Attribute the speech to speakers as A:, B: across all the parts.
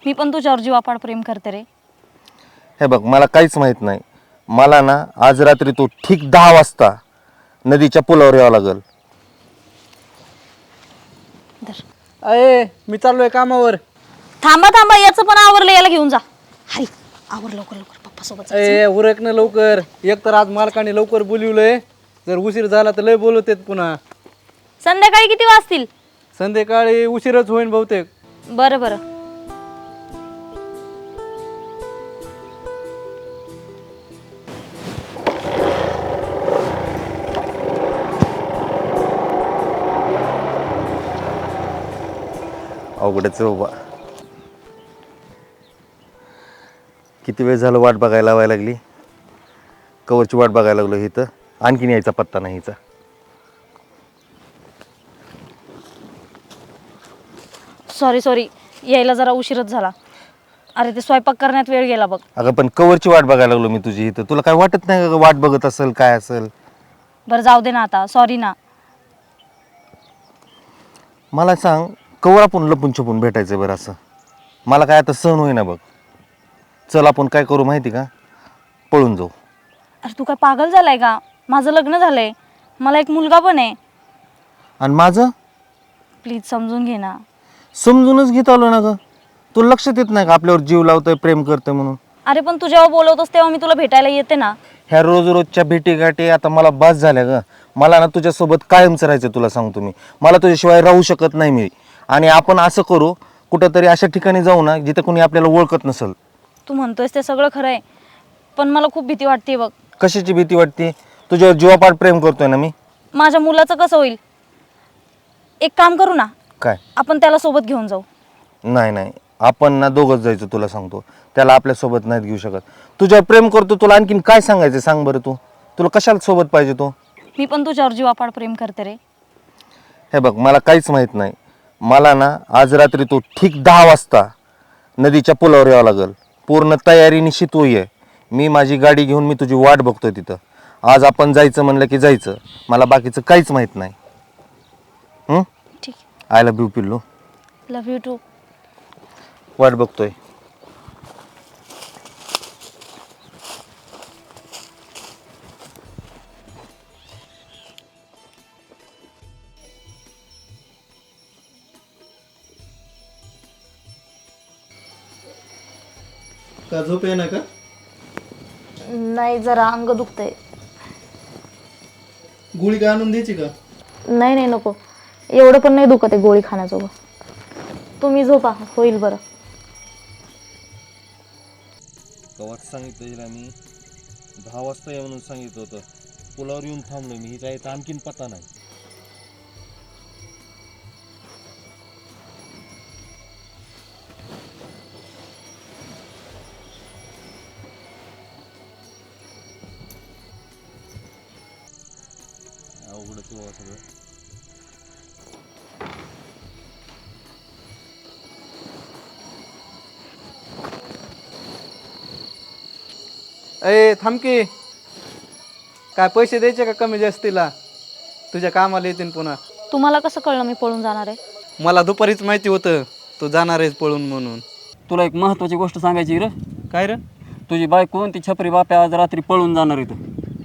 A: मी पण तुझ्यावर जीवापाड प्रेम करते रे.
B: हे बघ, मला काहीच माहित नाही. मला ना आज रात्री तू ठीक 10 वाजता नदीच्या पुलावर यावं लागल.
A: धर.
C: अये मी चाललोय कामावर.
A: थांबा थांबा, याचं पण आवरलं, याला घेऊन जा. हरी आवर लवकर लवकर, पप्पा सोबत जा.
C: अये उरक ना लवकर. एक तर आज मालकाने लवकर बोलवलंय. जर उशीर झाला तर लय बोलवतेत पुन्हा.
A: संध्याकाळी किती वाजतील?
C: संध्याकाळी उशीरच होईन बहुतेक.
A: बरं बरं.
B: अवघडच आहे बाबा. किती वेळ झालं वाट बघायला लावायला लागली. कवरची वाट बघायला लागलो इथं, आणखीन यायचा पत्ता नाही हिचा.
A: सॉरी सॉरी, यायला जरा उशीरच झाला. अरे ते स्वयंपाक करण्यात वेळ गेला बघ.
B: अगं पण कवरची वाट बघायला लागलो मी तुझी इथं. तुला काय वाटत नाही का वाट बघत असेल काय असेल?
A: बरं जाऊ दे ना आता, सॉरी ना.
B: मला सांग, कवर आपण लपून छपून भेटायचं बरं असं? मला काय आता सहन होईना बघ. चल आपण काय करू माहिती का, पळून जाऊ.
A: अरे तू काय पागल झालाय का? माझं लग्न झालंय, मला एक मुलगा पण आहे.
B: आणि माझं?
A: प्लीज समजून घे ना.
B: समजूनच घेत आलो ना ग. तू लक्षात येत नाही का आपल्यावर जीव लावतोय, प्रेम करतोय म्हणून?
A: अरे पण तू जेव्हा बोलवतोस तेव्हा मी तुला भेटायला येते ना.
B: ह्या रोज रोजच्या भेटीगाठी आता मला बास झाल्या ग. मला ना तुझ्यासोबत कायमच राहायचं, तुला सांगतो मी. मला तुझ्याशिवाय राहू शकत नाही मी. आणि आपण असं करू, कुठंतरी अशा ठिकाणी जाऊ ना जिथे कोणी आपल्याला ओळखत नसेल.
A: तू म्हणतोयस ते सगळं खरं आहे, पण मला खूप भीती वाटते बघ.
B: कशाची भीती वाटते? तुझ्यावर जीवापाड प्रेम करतोय ना मी.
A: माझ्या मुलाचं कसं होईल? एक काम करू ना,
B: काय?
A: आपण त्याला सोबत घेऊन जाऊ.
B: नाही नाही, आपण ना दोघंच जायचं, तुला सांगतो. त्याला आपल्यासोबत नाहीत घेऊ शकत. तुझ्यावर प्रेम करतो, तुला आणखीन काय सांगायचं सांग बरं तू. तुला कशाला सोबत पाहिजे तो?
A: मी पण तुझ्यावर जीवापाड प्रेम करते रे.
B: हे बघ, मला काहीच माहित नाही. मला ना आज रात्री तू ठीक 10 वाजता नदीच्या पुलावर यावं लागल. पूर्ण तयारी निश्चित होई. मी माझी गाडी घेऊन मी तुझी वाट बघतोय तिथं. आज आपण जायचं म्हणलं की जायचं. मला बाकीचं काहीच माहित नाही.
A: ठीक.
B: आय लव्ह यू पिल्लू.
A: Love you too.
B: वाट बघतोय.
C: का झोप आहे ना का?
A: नाही, जरा अंग दुखतंय.
C: गोळी काय आणून द्यायची का?
A: नाही नाही नको, एवढं पण नाही दुखत आहे गोळी खाण्याजोगं. तुम्ही झोपा, होईल बरं.
B: कवाच सांगितलं हिला मी 10 वाजता या म्हणून सांगितलं होतं. पुलावर येऊन थांबलोय मी. हिचा याचा आणखीन पत्ता नाही. अवघडच आहे बाबा सगळं.
C: अये थांब की. काय पैसे द्यायचे का कमी जास्तीला? तुझ्या कामाला येतील पुन्हा.
A: तुम्हाला कसं कळलं मी पळून जाणार आहे?
C: मला दुपारीच माहिती होतं तू जाणार आहेस पळून म्हणून.
D: तुला एक महत्त्वाची गोष्ट सांगायची रे.
C: काय रे?
D: तुझी बायको ती छपरी बाप्या आज रात्री पळून जाणार इथं.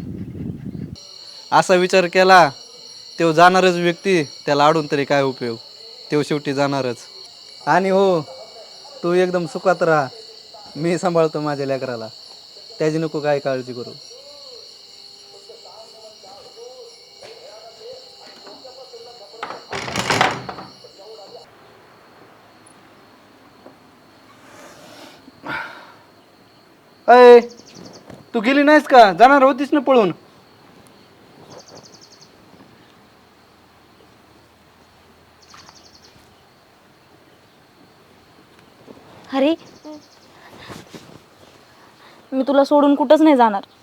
C: असा विचार केला, तो जाणारच व्यक्ती त्याला अडून तरी काय उपयोग. तो शेवटी जाणारच. आणि हो, तू एकदम सुखात राहा. मी सांभाळतो माझ्या लेकराला. त्याची नको काय काळजी करू. अय तू गेली नाहीस का? जाणार होतीस ना पळून.
A: हरी, मी तुला सोडून कुठंच नाही जाणार.